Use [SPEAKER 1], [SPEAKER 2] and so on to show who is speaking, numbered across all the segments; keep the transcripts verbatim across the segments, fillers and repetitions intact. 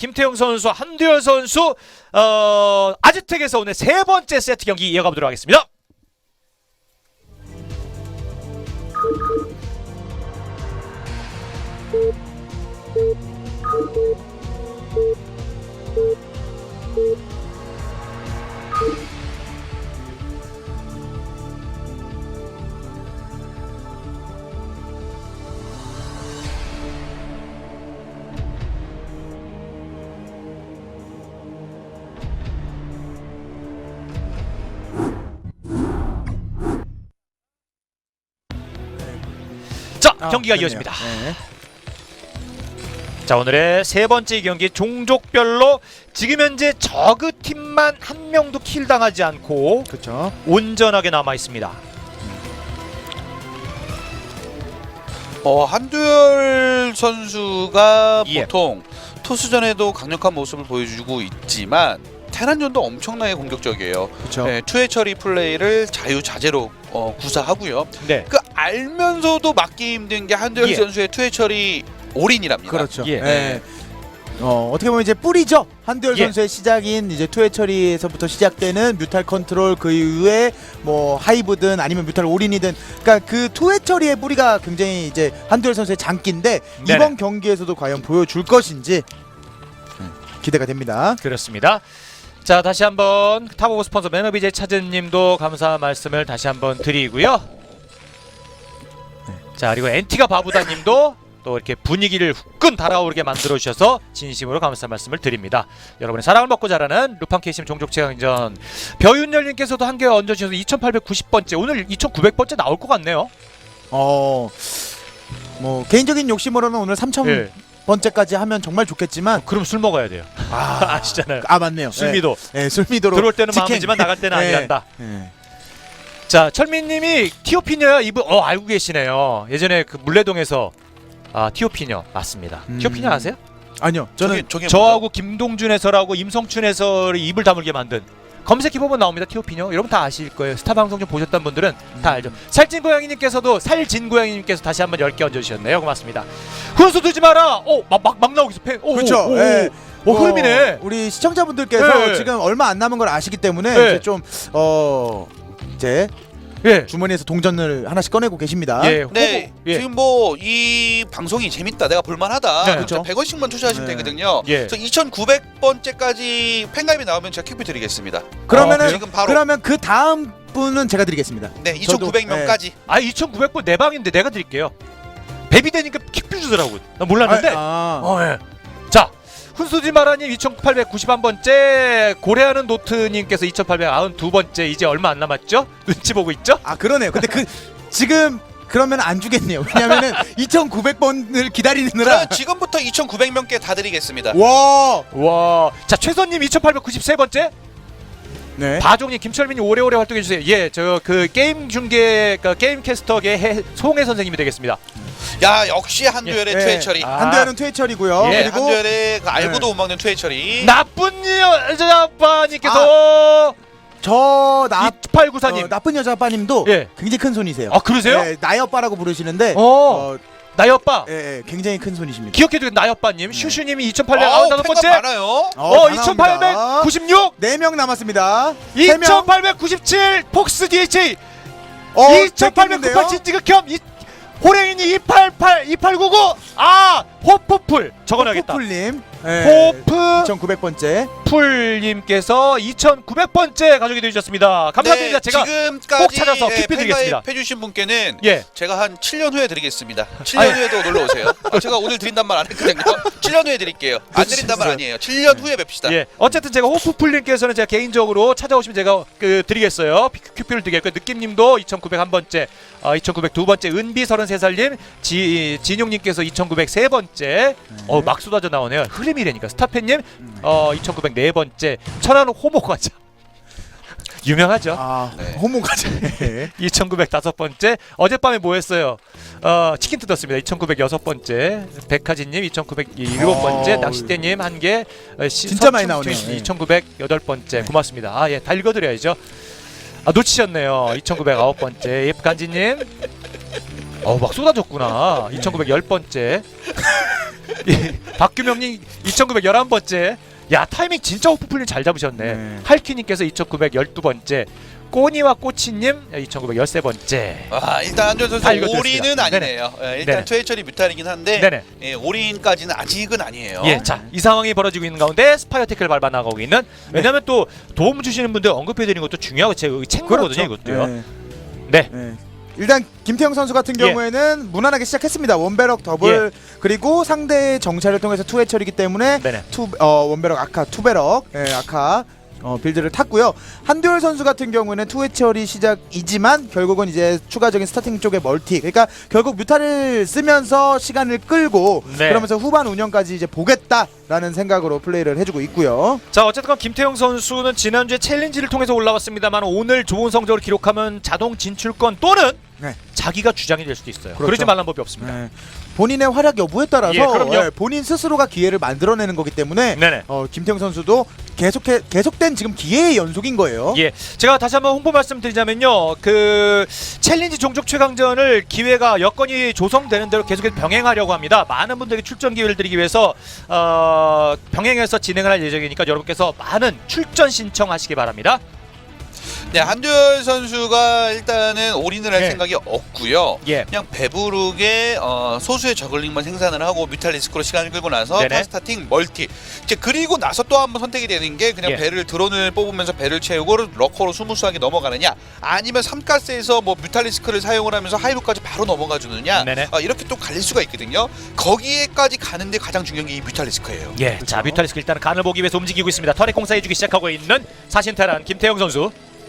[SPEAKER 1] 김태형 선수, 한두열 선수 어, 아즈텍에서 오늘 세 번째 세트 경기 이어가 보도록 하겠습니다. 자,
[SPEAKER 2] 아,
[SPEAKER 1] 경기가
[SPEAKER 2] 그러네요.
[SPEAKER 1] 이어집니다.
[SPEAKER 2] 네.
[SPEAKER 1] 자, 오늘의 세 번째 경기 종족별로 지금 현재 저그 팀만 한 명도 킬 당하지 않고
[SPEAKER 2] 그렇죠.
[SPEAKER 1] 온전하게 남아 있습니다.
[SPEAKER 3] 어, 한두열 선수가
[SPEAKER 1] 예.
[SPEAKER 3] 보통 토스전에도 강력한 모습을 보여주고 있지만 테란전도 엄청나게 공격적이에요.
[SPEAKER 2] 그렇죠.
[SPEAKER 3] 네, 투회 처리 플레이를 자유자재로 어, 구사하고요.
[SPEAKER 1] 네.
[SPEAKER 3] 그 알면서도 막기 힘든 게 한두열
[SPEAKER 1] 예.
[SPEAKER 3] 선수의 투회 처리 올인이랍니다.
[SPEAKER 2] 그렇죠.
[SPEAKER 1] 예.
[SPEAKER 2] 예. 어, 어떻게 보면 이제 뿌리죠. 한두열
[SPEAKER 1] 예.
[SPEAKER 2] 선수의 시작인 이제 투회 처리에서부터 시작되는 뮤탈 컨트롤, 그 이후에 뭐 하이브든 아니면 뮤탈 올인이든, 그러니까 그 투회 처리의 뿌리가 굉장히 이제 한두열 선수의 장기인데
[SPEAKER 1] 네네.
[SPEAKER 2] 이번 경기에서도 과연 보여줄 것인지 기대가 됩니다.
[SPEAKER 1] 그렇습니다. 자, 다시 한번 탑오브 스폰서 매너비제 차즈님도 감사 말씀을 다시 한번 드리고요. 자, 그리고 엔티가 바부다님도 또 이렇게 분위기를 후끈 달아오르게 만들어 주셔서 진심으로 감사 말씀을 드립니다. 여러분의 사랑을 먹고 자라는 루팡 케이심 종족 최강전 벼윤열님께서도 한 개 얹어주셔서 이천팔백구십 번째, 오늘 이천구백 번째 나올 것 같네요.
[SPEAKER 2] 어, 뭐 개인적인 욕심으로는 오늘 삼천
[SPEAKER 1] 예.
[SPEAKER 2] 번째까지 하면 정말 좋겠지만
[SPEAKER 1] 그럼 술 먹어야 돼요.
[SPEAKER 2] 아,
[SPEAKER 1] 아시잖아요.
[SPEAKER 2] 아 맞네요.
[SPEAKER 1] 술미도
[SPEAKER 2] 예, 예, 술미도로
[SPEAKER 1] 들어올 때는
[SPEAKER 2] 직행.
[SPEAKER 1] 마음이지만 나갈 때는
[SPEAKER 2] 예.
[SPEAKER 1] 아니란다.
[SPEAKER 2] 예.
[SPEAKER 1] 자, 철민님이 티오피녀 이분 어 알고 계시네요. 예전에 그 물레동에서 아 티오피녀 맞습니다.
[SPEAKER 2] 음.
[SPEAKER 1] 티오피녀 아세요?
[SPEAKER 2] 아니요, 저는
[SPEAKER 3] 저게, 저게
[SPEAKER 1] 저하고 김동준 해설하고 임성춘 해설이 입을 다물게 만든, 검색해보면 나옵니다. 티오피녀 여러분 다 아실 거예요. 스타 방송 좀 보셨던 분들은 다 알죠. 살찐 고양이님께서도 살진 고양이님께서 다시 한번 열 개 얹어주셨네요. 고맙습니다. 훈수 두지 마라. 오막막 막 나오고 있어. 팬. 오,
[SPEAKER 2] 그렇죠.
[SPEAKER 1] 오, 오,
[SPEAKER 2] 예.
[SPEAKER 1] 오, 흐름이네.
[SPEAKER 2] 어, 우리 시청자분들께서
[SPEAKER 1] 예.
[SPEAKER 2] 지금 얼마 안 남은 걸 아시기 때문에
[SPEAKER 1] 예.
[SPEAKER 2] 이제 좀 어 이제
[SPEAKER 1] 예.
[SPEAKER 2] 주머니에서 동전을 하나씩 꺼내고 계십니다.
[SPEAKER 1] 예.
[SPEAKER 3] 네,
[SPEAKER 1] 호보. 예.
[SPEAKER 3] 지금 뭐 이 방송이 재밌다, 내가 볼만하다.
[SPEAKER 1] 네.
[SPEAKER 3] 그렇죠. 백 원씩만 투자하시면
[SPEAKER 2] 네.
[SPEAKER 3] 되거든요.
[SPEAKER 1] 예.
[SPEAKER 3] 그래서 이천구백 번째까지 팬가입이 나오면 제가 큐피 드리겠습니다.
[SPEAKER 2] 그러면은
[SPEAKER 1] 어,
[SPEAKER 3] 지금 바로
[SPEAKER 2] 그러면 그 다음 분은 제가 드리겠습니다.
[SPEAKER 3] 네, 이천구백 명까지.
[SPEAKER 1] 아 이천구백 번 내 방인데 내가 드릴게요. 베비 되니까 킥뷰 주더라고. 나 몰랐는데.
[SPEAKER 2] 아, 아.
[SPEAKER 1] 어, 예. 자, 훈수지 마라님 이천팔백구십일 번째, 고래하는 노트님께서 이천팔백구십이 번째, 이제 얼마 안 남았죠? 눈치 보고 있죠?
[SPEAKER 2] 아 그러네요. 근데 그 지금 그러면 안 주겠네요. 왜냐면은 이천구백 번을 기다리느라.
[SPEAKER 3] 그러면 지금부터 이천구백 명께 다 드리겠습니다.
[SPEAKER 2] 와.
[SPEAKER 1] 와, 자 최선님 이천팔백구십삼 번째,
[SPEAKER 2] 네.
[SPEAKER 1] 바종님, 김철민님 오래오래 활동해 주세요. 예, 저 그 게임 중계, 그 게임 캐스터계 해, 송혜 선생님이 되겠습니다.
[SPEAKER 3] 야, 역시 한두열의
[SPEAKER 2] 예.
[SPEAKER 3] 투회 처리.
[SPEAKER 1] 아.
[SPEAKER 2] 한두열은 퇴처리고요.
[SPEAKER 1] 예,
[SPEAKER 2] 그리고
[SPEAKER 3] 한두열의 그 알고도
[SPEAKER 2] 네.
[SPEAKER 3] 못 막는 투회 처리.
[SPEAKER 1] 나쁜 여자아빠님께서
[SPEAKER 2] 저 나,
[SPEAKER 1] 이팔구사님.
[SPEAKER 2] 어, 나쁜 여자 아빠님도
[SPEAKER 1] 예.
[SPEAKER 2] 굉장히 큰 손이세요.
[SPEAKER 1] 아 그러세요?
[SPEAKER 2] 예, 나의 오빠라고 부르시는데
[SPEAKER 1] 어,
[SPEAKER 2] 어,
[SPEAKER 1] 나의 오빠.
[SPEAKER 2] 예, 예, 굉장히 큰 손이십니다.
[SPEAKER 1] 기억해도 나의 오빠님. 슈슈님이
[SPEAKER 3] 아우,
[SPEAKER 1] 이천팔백구십오
[SPEAKER 3] 팬가
[SPEAKER 1] 번째.
[SPEAKER 3] 많아요.
[SPEAKER 1] 어, 이천팔백구십육.
[SPEAKER 2] 네 명 남았습니다. 세 명.
[SPEAKER 1] 이천팔백구십칠 폭스 디에이치.
[SPEAKER 2] 어,
[SPEAKER 1] 이천팔백구십팔 진지극혐. 이 호랭이니 이팔팔 이팔구구. 아, 호프풀 적어놔야겠다.
[SPEAKER 2] 호프풀님. 예,
[SPEAKER 1] 호프
[SPEAKER 2] 이천구백 번째.
[SPEAKER 1] 풀님께서 이천구백 번째 가족이 되셨습니다. 감사드립니다.
[SPEAKER 3] 네,
[SPEAKER 1] 제가
[SPEAKER 3] 지금까지
[SPEAKER 1] 꼭 찾아서
[SPEAKER 3] 예,
[SPEAKER 1] 큐피 드리겠습니다.
[SPEAKER 3] 팬가입 해주신 분께는
[SPEAKER 1] 예.
[SPEAKER 3] 제가 한 칠 년 후에 드리겠습니다. 칠 년
[SPEAKER 1] 아니.
[SPEAKER 3] 후에도 놀러 오세요. 아, 제가 오늘 드린단 말 안 했거든요. 칠 년 후에 드릴게요. 안 드린단 말 아니에요. 칠 년 후에 뵙시다.
[SPEAKER 1] 예. 어쨌든 제가 호프풀님께서는 제가 개인적으로 찾아오시면 제가 그 드리겠어요. 큐피를 드리겠고요. 느낌님도 이천구백일 번째, 어, 이천구백이 번째, 은비 서른세 살님, 지 진용님께서 이천구백삼 번째. 어, 막 쏟아져 나오네요. 흐름이라니까. 스타팬님 어, 이천구백사 번째, 천안 호모 과자. 유명하죠.
[SPEAKER 2] 아,
[SPEAKER 3] 네.
[SPEAKER 2] 호모 과자.
[SPEAKER 1] 이천구백오 번째, 어젯밤에 뭐 했어요? 어, 치킨 뜯었습니다. 이천구백육 번째, 백하진님 이천구백칠 번째,
[SPEAKER 2] 어,
[SPEAKER 1] 낚싯대님 한 개, 어, 시,
[SPEAKER 2] 진짜 많이 나오네요. 예.
[SPEAKER 1] 이천구백팔 번째,
[SPEAKER 2] 네.
[SPEAKER 1] 고맙습니다. 아, 예, 다 읽어드려야죠. 아, 놓치셨네요. 이천구백구 번째, 예프간지님. 어, 막 쏟아졌구나. 이천구백십 번째. 예, 박규명님 이천구백십일 번째. 야 타이밍 진짜 오프플린 잘 잡으셨네.
[SPEAKER 2] 네.
[SPEAKER 1] 할키님께서 이천구백십이 번째. 꼬니와 꼬치님 이천구백십삼 번째.
[SPEAKER 3] 아 일단 한두열 선수
[SPEAKER 1] 다 읽어드렸습니다.
[SPEAKER 3] 올인은 아니네요. 예, 일단
[SPEAKER 1] 네네.
[SPEAKER 3] 투해철이 뮤탈이긴 한데
[SPEAKER 1] 네네.
[SPEAKER 3] 예, 올인까지는 아직은 아니에요.
[SPEAKER 1] 예, 자, 이 상황이 벌어지고 있는 가운데 스파이어 태클을 밟아 나가고 있는. 왜냐면 또 도움 주시는 분들 언급해드리는 것도 중요하고 제 챙거거든요, 이것도요.
[SPEAKER 2] 네.
[SPEAKER 1] 네.
[SPEAKER 2] 네. 일단 김태형 선수 같은
[SPEAKER 1] 예.
[SPEAKER 2] 경우에는 무난하게 시작했습니다. 원베럭 더블 그리고 상대의 정찰을 통해서 투해철이기 때문에
[SPEAKER 1] 네네.
[SPEAKER 2] 투 어, 원베럭 아카 투베럭 예, 아카 어, 빌드를 탔고요. 한두열 선수 같은 경우는 투해철이 시작이지만 결국은 이제 추가적인 스타팅 쪽의 멀티, 그러니까 결국 뮤타를 쓰면서 시간을 끌고
[SPEAKER 1] 네.
[SPEAKER 2] 그러면서 후반 운영까지 이제 보겠다라는 생각으로 플레이를 해주고 있고요.
[SPEAKER 1] 자, 어쨌든 김태형 선수는 지난주에 챌린지를 통해서 올라왔습니다만 오늘 좋은 성적을 기록하면 자동 진출권 또는
[SPEAKER 2] 네.
[SPEAKER 1] 자기가 주장이 될 수도 있어요.
[SPEAKER 2] 그렇죠.
[SPEAKER 1] 그러지 말란 법이 없습니다.
[SPEAKER 2] 네. 본인의 활약 여부에 따라서
[SPEAKER 1] 예, 그럼요.
[SPEAKER 2] 예, 본인 스스로가 기회를 만들어내는 거기 때문에
[SPEAKER 1] 네네.
[SPEAKER 2] 어, 김태형 선수도 계속해 계속된 지금 기회의 연속인 거예요.
[SPEAKER 1] 예, 제가 다시 한번 홍보 말씀드리자면요, 그 챌린지 종족 최강전을 기회가 여건이 조성되는 대로 계속해서 병행하려고 합니다. 많은 분들에게 출전 기회를 드리기 위해서 어, 병행해서 진행을 할 예정이니까 여러분께서 많은 출전 신청하시기 바랍니다.
[SPEAKER 3] 네, 한두열 선수가 일단은 올인을 할
[SPEAKER 1] 예.
[SPEAKER 3] 생각이 없고요.
[SPEAKER 1] 예,
[SPEAKER 3] 그냥 배부르게 어, 소수의 저글링만 생산을 하고 뮤탈리스크로 시간을 끌고 나서
[SPEAKER 1] 네네.
[SPEAKER 3] 파스타팅 멀티 이제 그리고 나서 또 한 번 선택이 되는 게 그냥
[SPEAKER 1] 예.
[SPEAKER 3] 배를 드론을 뽑으면서 배를 채우고 러커로 스무스하게 넘어가느냐 아니면 삼가스에서 뭐 뮤탈리스크를 사용을 하면서 하이브까지 바로 넘어가 주느냐
[SPEAKER 1] 네네.
[SPEAKER 3] 어, 이렇게 또 갈릴 수가 있거든요. 거기에까지 가는데 가장 중요한 게 이 뮤탈리스크예요.
[SPEAKER 1] 예. 자, 뮤탈리스크 일단 간을 보기 위해서 움직이고 있습니다. 터렛 공사해주기 시작하고 있는 사신테란 김태형 선수.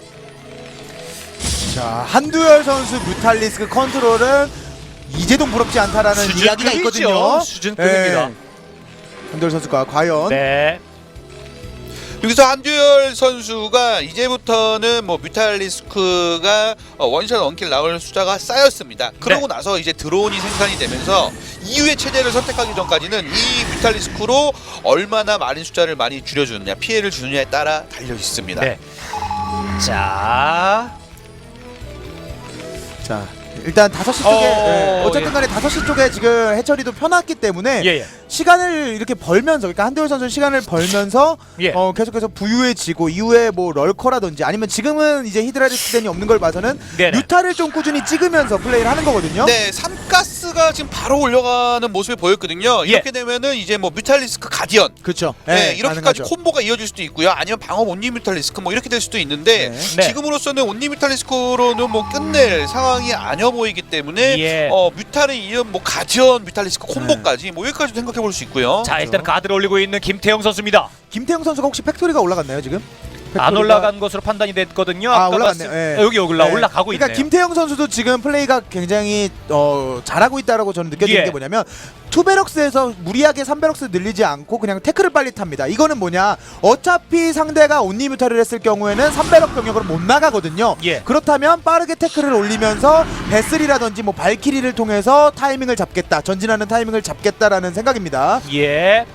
[SPEAKER 2] 자, 한두열 선수 뮤탈리스크 컨트롤은 이재동 부럽지 않다라는 이야기가
[SPEAKER 1] 수준급이죠.
[SPEAKER 2] 있거든요.
[SPEAKER 1] 수준급입니다.
[SPEAKER 2] 예. 한두열 선수가 과연
[SPEAKER 1] 네.
[SPEAKER 3] 여기서 한두열 선수가 이제부터는 뭐 뮤탈리스크가 어, 원샷 원킬 나올 숫자가 쌓였습니다. 그러고
[SPEAKER 1] 네.
[SPEAKER 3] 나서 이제 드론이 생산이 되면서 이후의 체제를 선택하기 전까지는 이 뮤탈리스크로 얼마나 많은 숫자를 많이 줄여주느냐 피해를 주느냐에 따라 달려 있습니다.
[SPEAKER 1] 네. 자.
[SPEAKER 2] 자, 일단 다섯 시 쪽에
[SPEAKER 1] 어,
[SPEAKER 2] 예, 어쨌든 간에 다섯 시 쪽에 지금 해처리도 펴놨기 때문에
[SPEAKER 1] 예, 예.
[SPEAKER 2] 시간을 이렇게 벌면서, 그러니까 한두열 선수 시간을 벌면서
[SPEAKER 1] 예.
[SPEAKER 2] 어, 계속해서 부유해지고 이후에 뭐 럴커라든지 아니면 지금은 이제 히드라리스크덴이 없는 걸 봐서는
[SPEAKER 1] 네네.
[SPEAKER 2] 뮤타를 좀 꾸준히 찍으면서 플레이를 하는 거거든요.
[SPEAKER 3] 네, 삼가스가 지금 바로 올려가는 모습이 보였거든요.
[SPEAKER 1] 예.
[SPEAKER 3] 이렇게 되면은 이제 뭐 뮤탈리스크 가디언
[SPEAKER 2] 그렇죠.
[SPEAKER 3] 네,
[SPEAKER 2] 예,
[SPEAKER 3] 이렇게까지
[SPEAKER 2] 가능하죠.
[SPEAKER 3] 콤보가 이어질 수도 있고요. 아니면 방어 온리 뮤탈리스크 뭐 이렇게 될 수도 있는데
[SPEAKER 2] 네.
[SPEAKER 1] 네.
[SPEAKER 3] 지금으로서는 온리 뮤탈리스크로는 뭐 끝낼 상황이 아니어 보이기 때문에
[SPEAKER 1] 예.
[SPEAKER 3] 어 뮤탈에 이은 뭐 가디언 뮤탈리스크 콤보까지 뭐 여기까지도 생각해 볼 수 있고요.
[SPEAKER 1] 자, 일단 가드를 올리고 있는 김태형 선수입니다.
[SPEAKER 2] 김태형 선수가 혹시 팩토리가 올라갔나요 지금?
[SPEAKER 1] 안
[SPEAKER 2] 팩토리가-
[SPEAKER 1] 올라간 것으로 판단이 됐거든요.
[SPEAKER 2] 아,
[SPEAKER 1] 아까
[SPEAKER 2] 올라갔네요.
[SPEAKER 1] 봤을-
[SPEAKER 2] 예.
[SPEAKER 1] 아, 여기 올라
[SPEAKER 2] 네.
[SPEAKER 1] 올라가고
[SPEAKER 2] 그러니까
[SPEAKER 1] 있네요.
[SPEAKER 2] 김태형 선수도 지금 플레이가 굉장히 어, 잘하고 있다라고 저는 느껴지는
[SPEAKER 1] 예.
[SPEAKER 2] 게 뭐냐면 투베럭스에서 무리하게 삼베럭스 늘리지 않고 그냥 태클을 빨리 탑니다. 이거는 뭐냐? 어차피 상대가 온리뮤타를 했을 경우에는 삼베럭 병력으로 못 나가거든요.
[SPEAKER 1] 예.
[SPEAKER 2] 그렇다면 빠르게 태클을 올리면서 베슬이라든지 뭐 발키리를 통해서 타이밍을 잡겠다, 전진하는 타이밍을 잡겠다라는 생각입니다.
[SPEAKER 1] 예.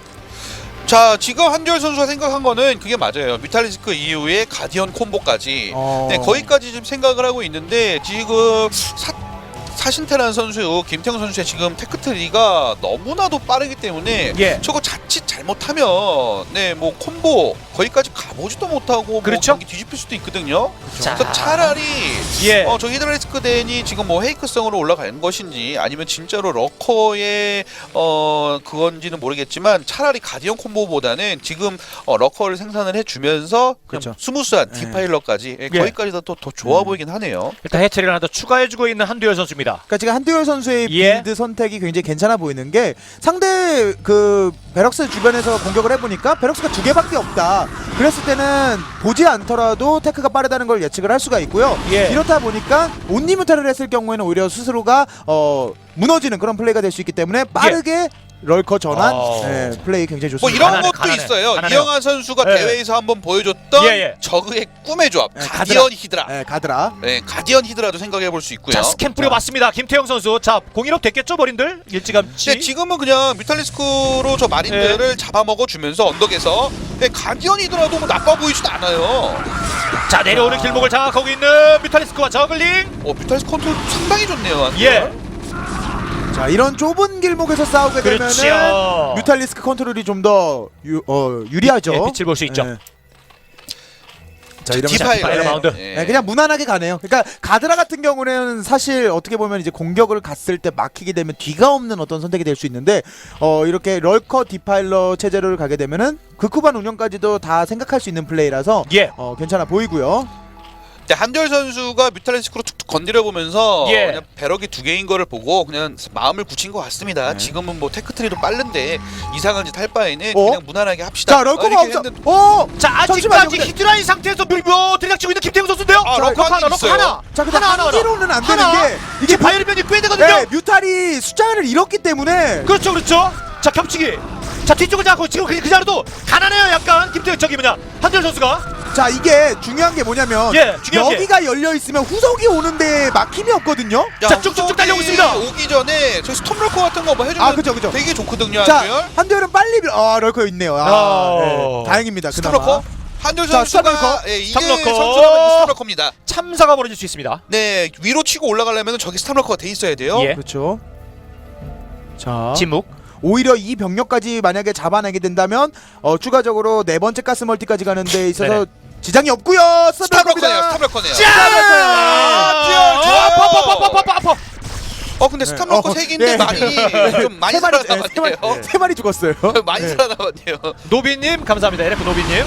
[SPEAKER 3] 자, 지금 한두열 선수가 생각한 거는 그게 맞아요. 뮤탈리스크 이후에 가디언 콤보까지
[SPEAKER 2] 어...
[SPEAKER 3] 네, 거기까지 지금 생각을 하고 있는데 지금 사, 사신테란 선수, 김태형 선수의 지금 테크트리가 너무나도 빠르기 때문에
[SPEAKER 1] 예.
[SPEAKER 3] 저거 자칫 잘못하면 네, 뭐 콤보 거기까지 가보지도 못하고
[SPEAKER 1] 그렇죠.
[SPEAKER 3] 뭐 경기 뒤집힐 수도 있거든요.
[SPEAKER 1] 자.
[SPEAKER 3] 그래서 차라리
[SPEAKER 1] 예.
[SPEAKER 3] 어, 저 히드라리스크 덴이 지금 뭐 헤이크성으로 올라가는 것인지 아니면 진짜로 러커의 어 그건지는 모르겠지만 차라리 가디언 콤보보다는 지금 어, 러커를 생산을 해주면서
[SPEAKER 2] 그렇죠.
[SPEAKER 3] 그냥 스무스한
[SPEAKER 2] 네.
[SPEAKER 3] 디파일러까지 예,
[SPEAKER 1] 예.
[SPEAKER 3] 거기까지 더, 더 좋아
[SPEAKER 2] 음.
[SPEAKER 3] 보이긴 하네요.
[SPEAKER 1] 일단 해처리를 하나 더 추가해주고 있는 한두열 선수입니다.
[SPEAKER 2] 그러니까 지금 한두열 선수의
[SPEAKER 1] 예.
[SPEAKER 2] 빌드 선택이 굉장히 괜찮아 보이는 게 상대 그 베럭스 주변에서 공격을 해보니까 베럭스가 두 개밖에 없다. 그랬을 때는 보지 않더라도 테크가 빠르다는 걸 예측을 할 수가 있고요.
[SPEAKER 1] 예.
[SPEAKER 2] 이렇다 보니까 온리뮤타를 했을 경우에는 오히려 스스로가 어, 무너지는 그런 플레이가 될 수 있기 때문에 빠르게 럴커 전환
[SPEAKER 1] 어.
[SPEAKER 2] 예, 플레이 굉장히
[SPEAKER 3] 뭐
[SPEAKER 2] 좋습니다.
[SPEAKER 3] 이런
[SPEAKER 1] 가난해,
[SPEAKER 3] 것도
[SPEAKER 1] 가난해.
[SPEAKER 3] 있어요.
[SPEAKER 1] 가난해요.
[SPEAKER 3] 이영환 선수가
[SPEAKER 1] 예.
[SPEAKER 3] 대회에서 한번 보여줬던
[SPEAKER 1] 예, 예.
[SPEAKER 3] 저그의 꿈의 조합
[SPEAKER 2] 예,
[SPEAKER 3] 가디언 히드라.
[SPEAKER 2] 예, 가드라.
[SPEAKER 3] 네, 가디언 히드라도 생각해 볼 수 있고요.
[SPEAKER 1] 자, 스캔 뿌려봤습니다. 김태형 선수. 자, 공일업 됐겠죠, 머린들? 일찌감치.
[SPEAKER 3] 네, 지금은 그냥 뮤탈리스크로 저 마린들을 잡아먹어 주면서 언덕에서 네, 가디언 히드라도 뭐 나빠 보이지도 않아요.
[SPEAKER 1] 자, 내려오는 길목을 장악하고 있는 뮤탈리스크와 저글링.
[SPEAKER 3] 어, 뮤탈리스크 컨트롤 상당히 좋네요.
[SPEAKER 1] 예.
[SPEAKER 2] 자, 자 이런 좁은 길목에서 싸우게 되면은
[SPEAKER 1] 그렇죠.
[SPEAKER 2] 뮤탈리스크 컨트롤이 좀 더 어, 유리하죠.
[SPEAKER 1] 예, 빛을 볼 수 있죠.
[SPEAKER 2] 예. 자 이러면
[SPEAKER 3] 디파일러.
[SPEAKER 1] 디파일러 마운드.
[SPEAKER 3] 예.
[SPEAKER 2] 네, 그냥 무난하게 가네요. 그러니까 가드라 같은 경우는 사실 어떻게 보면 이제 공격을 갔을 때 막히게 되면 뒤가 없는 어떤 선택이 될 수 있는데 어 이렇게 럴커 디파일러 체제를 가게 되면은 극후반 운영까지도 다 생각할 수 있는 플레이라서
[SPEAKER 1] 예.
[SPEAKER 2] 어 괜찮아 보이고요.
[SPEAKER 3] 근데 한별 선수가 뮤탈리스크로 툭툭 건드려 보면서
[SPEAKER 1] 예.
[SPEAKER 3] 그냥 배럭이 두 개인 거를 보고 그냥 마음을 굳힌 것 같습니다.
[SPEAKER 2] 네.
[SPEAKER 3] 지금은 뭐 테크트리도 빠른데 이상한 짓 할 바에는
[SPEAKER 2] 어?
[SPEAKER 3] 그냥 무난하게 합시다.
[SPEAKER 2] 자 럴커가
[SPEAKER 3] 이렇게
[SPEAKER 2] 없어.
[SPEAKER 3] 했는데-
[SPEAKER 2] 어.
[SPEAKER 1] 자
[SPEAKER 2] 잠시만요,
[SPEAKER 1] 아직까지
[SPEAKER 2] 근데-
[SPEAKER 1] 히드라인 상태에서 밀고 들이닥치고 있는 김태형 선수인데요.
[SPEAKER 3] 아,
[SPEAKER 1] 자,
[SPEAKER 3] 럭커
[SPEAKER 1] 하나,
[SPEAKER 3] 한 개
[SPEAKER 1] 럭커
[SPEAKER 3] 있어요.
[SPEAKER 1] 하나.
[SPEAKER 2] 자 근데
[SPEAKER 1] 하나, 하나,
[SPEAKER 2] 한 개로는 안 되는
[SPEAKER 1] 하나.
[SPEAKER 2] 게
[SPEAKER 1] 이게 바이올변이 꽤 되거든요.
[SPEAKER 2] 네, 뮤탈이 숫자를 잃었기 때문에
[SPEAKER 1] 그렇죠, 그렇죠. 자 겹치기. 자 뒤쪽을 잡고 지금 그, 그 자리도 가난해요. 약간 김태형 저기 뭐냐 한별 선수가.
[SPEAKER 2] 자 이게 중요한 게 뭐냐면
[SPEAKER 1] 예, 중요한 게.
[SPEAKER 2] 여기가 열려 있으면 후속이 오는데 막힘이 없거든요.
[SPEAKER 3] 야,
[SPEAKER 1] 자, 쭉쭉쭉
[SPEAKER 3] 후속이
[SPEAKER 1] 달려오고 있습니다.
[SPEAKER 3] 오기 전에 저 스톰럴커 같은 거 뭐 해주면
[SPEAKER 2] 아, 그죠, 그죠.
[SPEAKER 3] 되게 좋거든요.
[SPEAKER 2] 자
[SPEAKER 3] 한별.
[SPEAKER 2] 한두열은 빨리 밀- 아 럴커 있네요. 아,
[SPEAKER 1] 어.
[SPEAKER 2] 네, 다행입니다. 그나마.
[SPEAKER 3] 스톰럴커. 한별
[SPEAKER 2] 자,
[SPEAKER 3] 선수가
[SPEAKER 2] 스톰럴커.
[SPEAKER 3] 예, 이게
[SPEAKER 1] 스톰럴커.
[SPEAKER 3] 선수라면 스톰럴커입니다.
[SPEAKER 1] 참사가 벌어질 수 있습니다.
[SPEAKER 3] 네, 위로 치고 올라가려면 저기 스톰럴커가 돼 있어야 돼요.
[SPEAKER 1] 예.
[SPEAKER 2] 그렇죠. 자
[SPEAKER 1] 침묵.
[SPEAKER 2] 오히려 이 병력까지 만약에 잡아내게 된다면 어, 추가적으로 네 번째 가스 멀티까지 가는 데 있어서
[SPEAKER 1] 네네.
[SPEAKER 2] 지장이 없고요.
[SPEAKER 3] 스톰럴커네요.
[SPEAKER 2] 스톰럴커입니다.
[SPEAKER 3] 스톰럴커네요.
[SPEAKER 1] 아,
[SPEAKER 3] 뛰어, 좋아요.
[SPEAKER 1] 아파, 아파, 아파, 아파, 아파, 아파.
[SPEAKER 3] 어 근데
[SPEAKER 2] 네.
[SPEAKER 3] 스톰럴커
[SPEAKER 2] 어,
[SPEAKER 3] 세 개인데
[SPEAKER 2] 네.
[SPEAKER 3] 많이 좀 많이
[SPEAKER 2] 세 마리, 네, 세 마리,
[SPEAKER 3] 살아남았네요.
[SPEAKER 2] 세 마리 죽었어요.
[SPEAKER 3] 많이
[SPEAKER 2] 네.
[SPEAKER 3] 살아남았네요.
[SPEAKER 1] 노비님 감사합니다. 엘에프 노비님.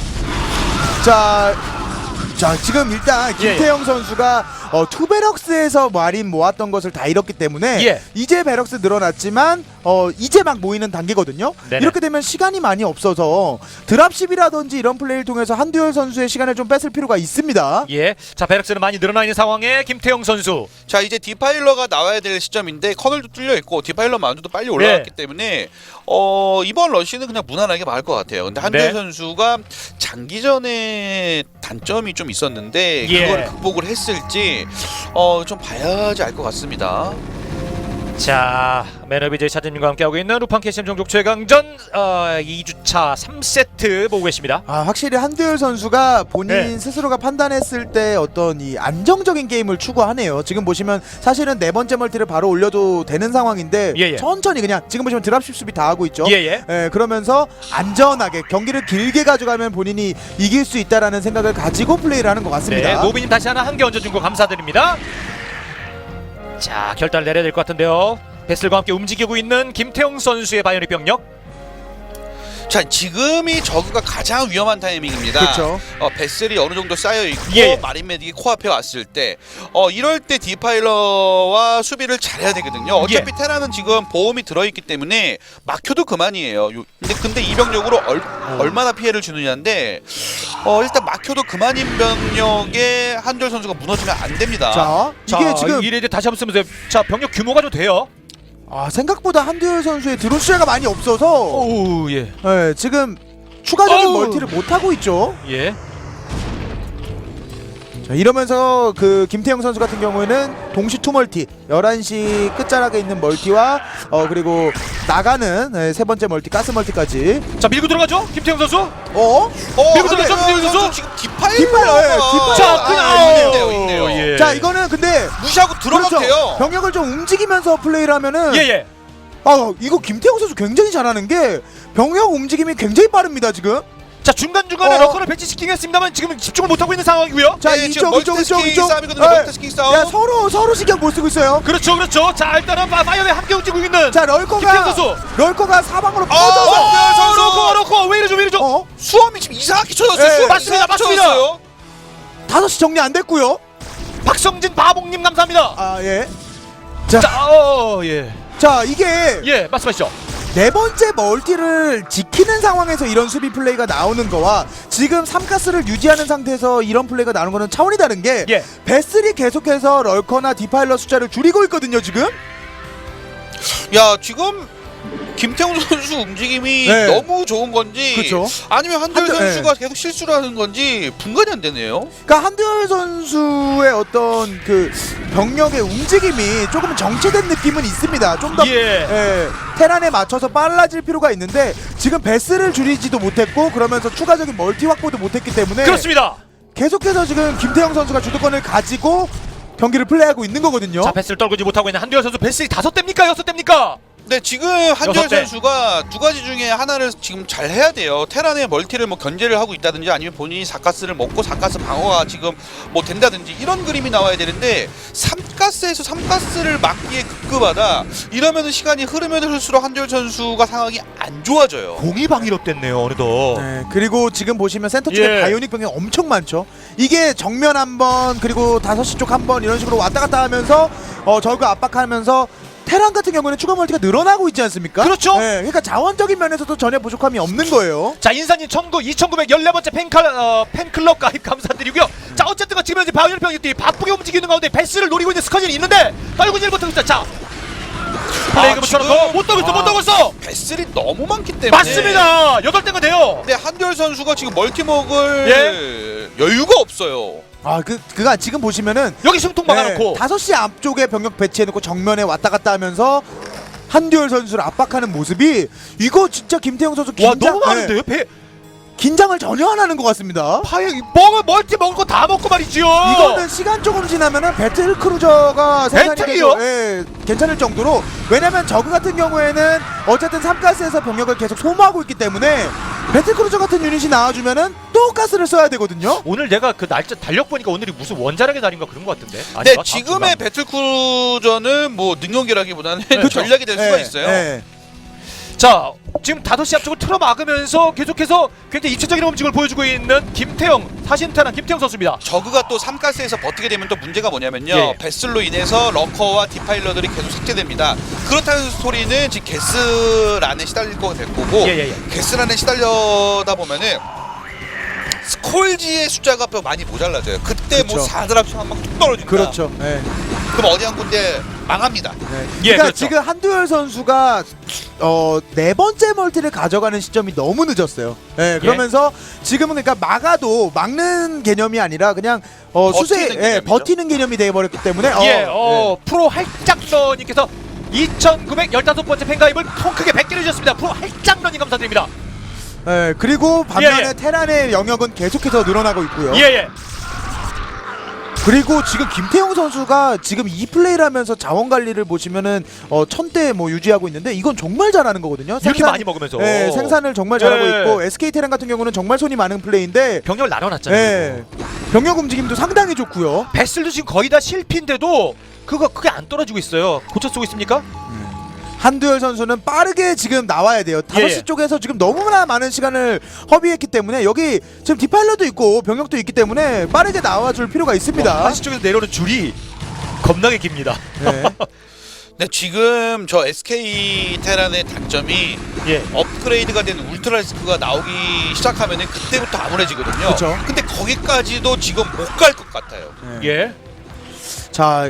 [SPEAKER 2] 자, 자 지금 일단
[SPEAKER 1] 예,
[SPEAKER 2] 김태형 선수가 어, 투베럭스에서 마린 모았던 것을 다 잃었기 때문에
[SPEAKER 1] 예.
[SPEAKER 2] 이제 베럭스 늘어났지만 어, 이제 막 모이는 단계거든요.
[SPEAKER 1] 네네.
[SPEAKER 2] 이렇게 되면 시간이 많이 없어서 드랍십이라든지 이런 플레이를 통해서 한두열 선수의 시간을 좀 뺏을 필요가 있습니다.
[SPEAKER 1] 예. 자 베럭스는 많이 늘어나 있는 상황에 김태형 선수.
[SPEAKER 3] 자 이제 디파일러가 나와야 될 시점인데 커널도 뚫려 있고 디파일러 마운드도 빨리 올라왔기
[SPEAKER 1] 네.
[SPEAKER 3] 때문에 어 이번 러시는 그냥 무난하게 막을 것 같아요. 근데 한두열
[SPEAKER 1] 네.
[SPEAKER 3] 선수가 장기전에 단점이 좀 있었는데
[SPEAKER 1] 예.
[SPEAKER 3] 그걸 극복을 했을지 어 좀 봐야지 알 것 같습니다.
[SPEAKER 1] 자 매너비제이 차진님과 함께하고 있는 루팡 캐시엠 종족 최강전 어, 이 주차 삼 세트 보고 계십니다.
[SPEAKER 2] 아 확실히 한두열 선수가 본인
[SPEAKER 1] 네.
[SPEAKER 2] 스스로가 판단했을 때 어떤 이 안정적인 게임을 추구하네요. 지금 보시면 사실은 네 번째 멀티를 바로 올려도 되는 상황인데
[SPEAKER 1] 예, 예.
[SPEAKER 2] 천천히 그냥 지금 보시면 드랍십 수비 다 하고 있죠.
[SPEAKER 1] 예예.
[SPEAKER 2] 예, 그러면서 안전하게 경기를 길게 가져가면 본인이 이길 수 있다라는 생각을 가지고 플레이를 하는 것 같습니다.
[SPEAKER 1] 네, 노비님 다시 하나 한 개 얹어준 거 감사드립니다. 자 결단을 내려야 될 것 같은데요. 베슬과 함께 움직이고 있는 김태형 선수의 바이오닉 병력.
[SPEAKER 3] 자 지금이 저그가 가장 위험한 타이밍입니다.
[SPEAKER 2] 그렇죠.
[SPEAKER 3] 어, 베슬이 어느 정도 쌓여 있고
[SPEAKER 1] 예.
[SPEAKER 3] 마린 메딕이 코앞에 왔을 때, 어 이럴 때 디파일러와 수비를 잘해야 되거든요. 어차피
[SPEAKER 1] 예.
[SPEAKER 3] 테라는 지금 보험이 들어있기 때문에 막혀도 그만이에요. 요- 근데 근데 이 병력으로 얼, 얼마나 피해를 주느냐인데, 어 일단 막혀도 그만인 병력에 한별 선수가 무너지면 안 됩니다.
[SPEAKER 2] 자,
[SPEAKER 1] 자
[SPEAKER 2] 이게 지금
[SPEAKER 1] 이래 이제 다시 한번 쓰면서 자 병력 규모가 좀 돼요.
[SPEAKER 2] 아, 생각보다 한두열 선수의 드론 숫자가 많이 없어서
[SPEAKER 1] 오우 예.
[SPEAKER 2] 예, 지금 추가적인
[SPEAKER 1] 어우.
[SPEAKER 2] 멀티를 못 하고 있죠.
[SPEAKER 1] 예.
[SPEAKER 2] 자, 이러면서 그 김태형 선수 같은 경우에는 동시 투 멀티 열한 시 끝자락에 있는 멀티와 어 그리고 나가는 예, 세 번째 멀티 가스 멀티까지
[SPEAKER 1] 자 밀고 들어가죠 김태형 선수.
[SPEAKER 2] 어?
[SPEAKER 3] 어,
[SPEAKER 1] 밀고
[SPEAKER 3] 근데
[SPEAKER 1] 들어갔죠, 밀고
[SPEAKER 3] 어,
[SPEAKER 1] 들어갔죠?
[SPEAKER 3] 지금 디파일러가
[SPEAKER 2] 디파일러, 예, 디파일러.
[SPEAKER 1] 자
[SPEAKER 2] 아,
[SPEAKER 1] 그냥
[SPEAKER 2] 아,
[SPEAKER 3] 있네요, 있네요.
[SPEAKER 1] 예.
[SPEAKER 2] 자, 이거는 근데
[SPEAKER 3] 무시하고 들어가도
[SPEAKER 2] 그렇죠.
[SPEAKER 3] 돼요.
[SPEAKER 2] 병력을 좀 움직이면서 플레이를 하면은
[SPEAKER 1] 예예.
[SPEAKER 2] 아, 이거 김태형 선수 굉장히 잘하는 게 병력 움직임이 굉장히 빠릅니다, 지금.
[SPEAKER 1] 자 중간 중간에
[SPEAKER 2] 어.
[SPEAKER 1] 러커를 배치시키긴 했습니다만 지금 집중을 못 하고 있는 상황이고요.
[SPEAKER 2] 자,
[SPEAKER 3] 네,
[SPEAKER 2] 이쪽
[SPEAKER 3] 지금
[SPEAKER 2] 이쪽 이쪽
[SPEAKER 3] 멀티태스킹
[SPEAKER 2] 이쪽.
[SPEAKER 3] 싸움이거든요.
[SPEAKER 2] 예.
[SPEAKER 3] 멀티태스킹 싸움.
[SPEAKER 2] 야, 서로 서로 신경 못 쓰고 있어요.
[SPEAKER 1] 그렇죠 그렇죠. 자 일단은 파- 파이어에 함께 움직이고 있는.
[SPEAKER 2] 자,
[SPEAKER 1] 김태형
[SPEAKER 2] 럴커가
[SPEAKER 1] 선수.
[SPEAKER 2] 럴커가 사방으로
[SPEAKER 3] 어,
[SPEAKER 2] 퍼져서
[SPEAKER 3] 한별 선수.
[SPEAKER 1] 러커 러커 왜 이러죠 왜 이러죠.
[SPEAKER 2] 어?
[SPEAKER 3] 수험이 지금 이상하게 쳐졌어요.
[SPEAKER 2] 예,
[SPEAKER 3] 수험이
[SPEAKER 1] 맞습니다,
[SPEAKER 3] 이상하게
[SPEAKER 1] 맞습니다.
[SPEAKER 3] 쳐졌어요.
[SPEAKER 2] 다섯 시 정리 안 됐고요.
[SPEAKER 1] 박성진 바봉님 감사합니다.
[SPEAKER 2] 아, 예. 자,
[SPEAKER 1] 자 어, 예.
[SPEAKER 2] 자, 이게
[SPEAKER 1] 예 말씀하시죠.
[SPEAKER 2] 네 번째 멀티를 지키는 상황에서 이런 수비 플레이가 나오는 거와 지금 삼 가스를 유지하는 상태에서 이런 플레이가 나오는 거는 차원이 다른 게
[SPEAKER 1] 예.
[SPEAKER 2] 베슬이 계속해서 럴커나 디파일러 숫자를 줄이고 있거든요, 지금.
[SPEAKER 3] 야 지금 김태훈 선수 움직임이
[SPEAKER 2] 네.
[SPEAKER 3] 너무 좋은 건지
[SPEAKER 2] 그쵸.
[SPEAKER 3] 아니면 한별
[SPEAKER 2] 한별-
[SPEAKER 3] 선수가 계속 실수를 하는 건지 분간이 안 되네요.
[SPEAKER 2] 그러니까 한두열 선수의 어떤 그 병력의 움직임이 조금 정체된 느낌은 있습니다. 좀 더
[SPEAKER 1] 예.
[SPEAKER 2] 예, 테란에 맞춰서 빨라질 필요가 있는데 지금 베스를 줄이지도 못했고 그러면서 추가적인 멀티 확보도 못했기 때문에
[SPEAKER 1] 그렇습니다.
[SPEAKER 2] 계속해서 지금 김태형 선수가 주도권을 가지고 경기를 플레이하고 있는 거거든요.
[SPEAKER 1] 자, 패스를 떨구지 못하고 있는 한두열 선수. 패스 다섯 대입니까? 여섯 대입니까?
[SPEAKER 3] 네, 지금 한두열
[SPEAKER 1] 여섯 대.
[SPEAKER 3] 선수가 두 가지 중에 하나를 지금 잘 해야 돼요. 테란의 멀티를 뭐 견제를 하고 있다든지 아니면 본인이 사가스를 먹고 사가스 방어가 지금 뭐 된다든지 이런 그림이 나와야 되는데 삼가스에서 삼가스를 막기에 급급하다. 이러면은 시간이 흐르면 흐를수록 한두열 선수가 상황이 안 좋아져요.
[SPEAKER 1] 공이 방위로 됐네요, 어느덧.
[SPEAKER 2] 네, 그리고 지금 보시면 센터 쪽에
[SPEAKER 1] 예.
[SPEAKER 2] 바이오닉 병력이 엄청 많죠. 이게 정면 한 번 그리고 다섯 시 쪽 한 번 이런 식으로 왔다 갔다 하면서 어 저그 압박하면서 테란 같은 경우는 추가 멀티가 늘어나고 있지 않습니까?
[SPEAKER 1] 그렇죠.
[SPEAKER 2] 네, 그러니까 자원적인 면에서도 전혀 부족함이 없는 거예요.
[SPEAKER 1] 자, 인사님 이천구백십사 번째 팬클, 어, 팬클럽 가입 감사드리고요. 자, 어쨌든 지금 현재 바이오닉 병력들이 바쁘게 움직이는 가운데 패스를 노리고 있는 스커진이 있는데 떨구질 못하고 있다. 자, 플레이그 붙여놓고
[SPEAKER 3] 지금-
[SPEAKER 1] 못 떨고 있어, 못
[SPEAKER 3] 아.
[SPEAKER 1] 떨고 있어.
[SPEAKER 3] 배슬이 너무 많기 때문에
[SPEAKER 1] 맞습니다. 여덟 대가 돼요.
[SPEAKER 3] 근데 한두열 선수가 지금 멀티 먹을
[SPEAKER 1] 예.
[SPEAKER 3] 여유가 없어요.
[SPEAKER 2] 아, 그 그가 지금 보시면은
[SPEAKER 1] 여기 숨통 막아놓고.
[SPEAKER 2] 다섯 시 앞쪽에 병력 배치해놓고 정면에 왔다 갔다 하면서 한두열 선수를 압박하는 모습이 이거 진짜 김태형 선수
[SPEAKER 1] 와,
[SPEAKER 2] 긴장,
[SPEAKER 1] 너무 많은데요? 배,
[SPEAKER 2] 네, 긴장을 전혀 안 하는 것 같습니다.
[SPEAKER 1] 파에 먹을 멀티 먹을 거 다 먹고 말이지요.
[SPEAKER 2] 이거는 시간 조금 지나면은 배틀 크루저가 생산이
[SPEAKER 1] 배틀이요?
[SPEAKER 2] 돼도, 예, 괜찮을 정도로. 왜냐면 저그 같은 경우에는 어쨌든 삼가스에서 병력을 계속 소모하고 있기 때문에 배틀 크루저 같은 유닛이 나와주면은 또 가스를 써야 되거든요.
[SPEAKER 1] 오늘 내가 그 날짜 달력 보니까 오늘이 무슨 원자력의 날인가 그런 것 같은데.
[SPEAKER 3] 네,
[SPEAKER 1] 아닌가?
[SPEAKER 3] 지금의 배틀크루저는 뭐 능력이라기보다는
[SPEAKER 1] 그렇죠.
[SPEAKER 3] 전략이 될 수가
[SPEAKER 2] 예,
[SPEAKER 3] 있어요.
[SPEAKER 2] 예.
[SPEAKER 1] 자, 지금 다섯 시 앞쪽을 틀어 막으면서 계속해서 굉장히 입체적인 움직임을 보여주고 있는 김태형, 사신탄한 김태형 선수입니다.
[SPEAKER 3] 저그가 또 삼가스에서 버티게 되면 또 문제가 뭐냐면요.
[SPEAKER 1] 예.
[SPEAKER 3] 베슬로 인해서 러커와 디파일러들이 계속 삭제됩니다. 그렇다는 소리는 지금 게스란에 시달릴 거가 될 거고
[SPEAKER 1] 예, 예, 예.
[SPEAKER 3] 게스란에 시달려다 보면은 스콜지의 숫자가 또 많이 모자라져요. 그때 뭐
[SPEAKER 2] 그렇죠.
[SPEAKER 3] 사드랍 한방 뚝 떨어진다.
[SPEAKER 2] 그렇죠. 예.
[SPEAKER 3] 그럼 어디 한 군데 망합니다.
[SPEAKER 2] 네.
[SPEAKER 1] 예,
[SPEAKER 2] 그러니까
[SPEAKER 1] 그렇죠.
[SPEAKER 2] 지금 한두열 선수가 어, 네 번째 멀티를 가져가는 시점이 너무 늦었어요. 예, 그러면서 지금은 그러니까 막아도 막는 개념이 아니라 그냥 어, 수세
[SPEAKER 3] 버티는
[SPEAKER 2] 예,
[SPEAKER 3] 개념이죠.
[SPEAKER 2] 버티는 개념이 되어버렸기 때문에 어,
[SPEAKER 1] 예, 어, 프로 할짝러님께서 이천구백십오 번째 팬가입을 통 크게 백 개를 주셨습니다. 프로 할짝러님 감사드립니다.
[SPEAKER 2] 예, 예, 그리고 반면에
[SPEAKER 1] 예, 예.
[SPEAKER 2] 테란의 영역은 계속해서 늘어나고 있고요.
[SPEAKER 1] 예, 예.
[SPEAKER 2] 그리고 지금 김태형 선수가 지금 이 플레이를 하면서 자원 관리를 보시면은 어, 천대 뭐 유지하고 있는데 이건 정말 잘하는 거거든요.
[SPEAKER 1] 이렇게 많이 먹으면서.
[SPEAKER 2] 예, 생산을 정말 잘하고
[SPEAKER 1] 예.
[SPEAKER 2] 있고 에스케이 테란 같은 경우는 정말 손이 많은 플레이인데
[SPEAKER 1] 병력을 나눠놨잖아요.
[SPEAKER 2] 예, 병력 움직임도 상당히 좋고요.
[SPEAKER 1] 베슬도 지금 거의 다 실패인데도 그거 그게 안 떨어지고 있어요. 고쳐 쓰고 있습니까?
[SPEAKER 2] 한두열 선수는 빠르게 지금 나와야 돼요. 다섯 시
[SPEAKER 1] 예.
[SPEAKER 2] 쪽에서 지금 너무나 많은 시간을 허비했기 때문에 여기 지금 디파일러도 있고 병력도 있기 때문에 빠르게 나와줄 필요가 있습니다.
[SPEAKER 1] 한시 쪽에서 내려오는 줄이 겁나게 깁니다.
[SPEAKER 2] 네.
[SPEAKER 3] 네, 지금 저 에스케이 테란의 단점이
[SPEAKER 1] 예.
[SPEAKER 3] 업그레이드가 된 울트라리스크가 나오기 시작하면은 그때부터 암울해지거든요.
[SPEAKER 2] 그쵸.
[SPEAKER 3] 근데 거기까지도 지금 못 갈 것 같아요.
[SPEAKER 2] 네.
[SPEAKER 1] 예.
[SPEAKER 2] 자,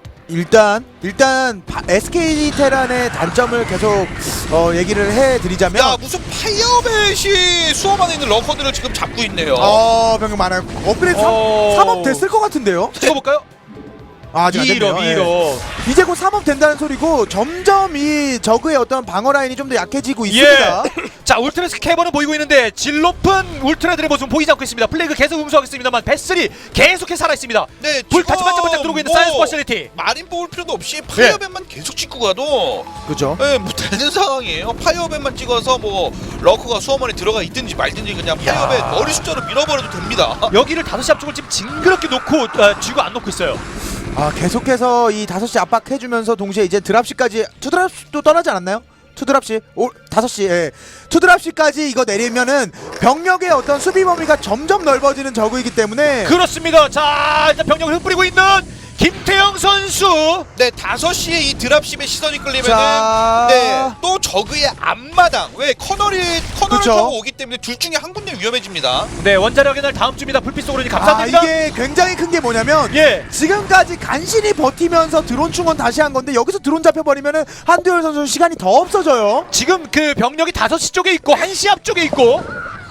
[SPEAKER 2] 일단 일단 바- 에스케이 테란의 단점을 계속 어, 얘기를 해드리자면
[SPEAKER 3] 야, 무슨 파이어벳이 수험 안에 있는 러커들을 지금 잡고 있네요.
[SPEAKER 2] 어, 병력 많아요. 업그레이드
[SPEAKER 1] 어.
[SPEAKER 2] 삼 업 됐을 것 같은데요?
[SPEAKER 1] 찍어볼까요?
[SPEAKER 2] 아, 아직 안 됐네요.
[SPEAKER 1] 이로
[SPEAKER 2] 예.
[SPEAKER 1] 이로.
[SPEAKER 2] 이제 곧 삼 업 된다는 소리고 점점 이 저그의 어떤 방어 라인이 좀 더 약해지고 있습니다.
[SPEAKER 1] 자, 울트라스 캐버는 보이고 있는데 질 높은 울트라들의 모습은 보이지 않고 있습니다. 플레이그 계속 음수하고 있습니다만 베슬이 계속해 살아 있습니다.
[SPEAKER 3] 네,
[SPEAKER 1] 불
[SPEAKER 3] 지금
[SPEAKER 1] 다시 반짝반짝 들어오고 있는
[SPEAKER 3] 뭐
[SPEAKER 1] 사이언스 퍼실리티.
[SPEAKER 3] 마린 뽑을 필요도 없이 파이어벳만 계속 찍고 가도
[SPEAKER 2] 그죠?
[SPEAKER 3] 예, 뭐 되는 상황이에요. 파이어벳만 찍어서 뭐 러커가 수험원에 들어가 있든지 말든지 그냥 파이어벳
[SPEAKER 1] 야.
[SPEAKER 3] 머리 숫자로 밀어버려도 됩니다.
[SPEAKER 1] 여기를 다섯 시 앞쪽을 지금 징그럽게 놓고 어, 쥐고 안 놓고 있어요.
[SPEAKER 2] 아, 계속해서 이 다섯 시 압박해주면서 동시에 이제 드랍시까지 투드랍시도 떠나지 않았나요? 투드랍시 오 다섯 시 예. 투드랍시까지 이거 내리면은 병력의 어떤 수비 범위가 점점 넓어지는 저그이기 때문에
[SPEAKER 1] 그렇습니다. 자, 이제 병력을 흩뿌리고 있는 김태형 선수.
[SPEAKER 3] 네, 다섯 시에 이 드랍십의 시선이 끌리면은
[SPEAKER 2] 자.
[SPEAKER 3] 네, 또 저그의 앞마당 왜 커널이 커널을
[SPEAKER 2] 그쵸.
[SPEAKER 3] 타고 오기 때문에 둘 중에 한 군데 위험해집니다.
[SPEAKER 1] 네, 원자력의 날 다음 주입니다. 불빛 속으로
[SPEAKER 2] 아,
[SPEAKER 1] 감사드립니다.
[SPEAKER 2] 이게 굉장히 큰 게 뭐냐면
[SPEAKER 1] 예.
[SPEAKER 2] 지금까지 간신히 버티면서 드론 충원 다시 한 건데 여기서 드론 잡혀버리면은 한두열 선수 시간이 더 없어져요.
[SPEAKER 1] 지금 그 병력이 다섯 시 쪽에 있고 한 시 앞쪽에 있고.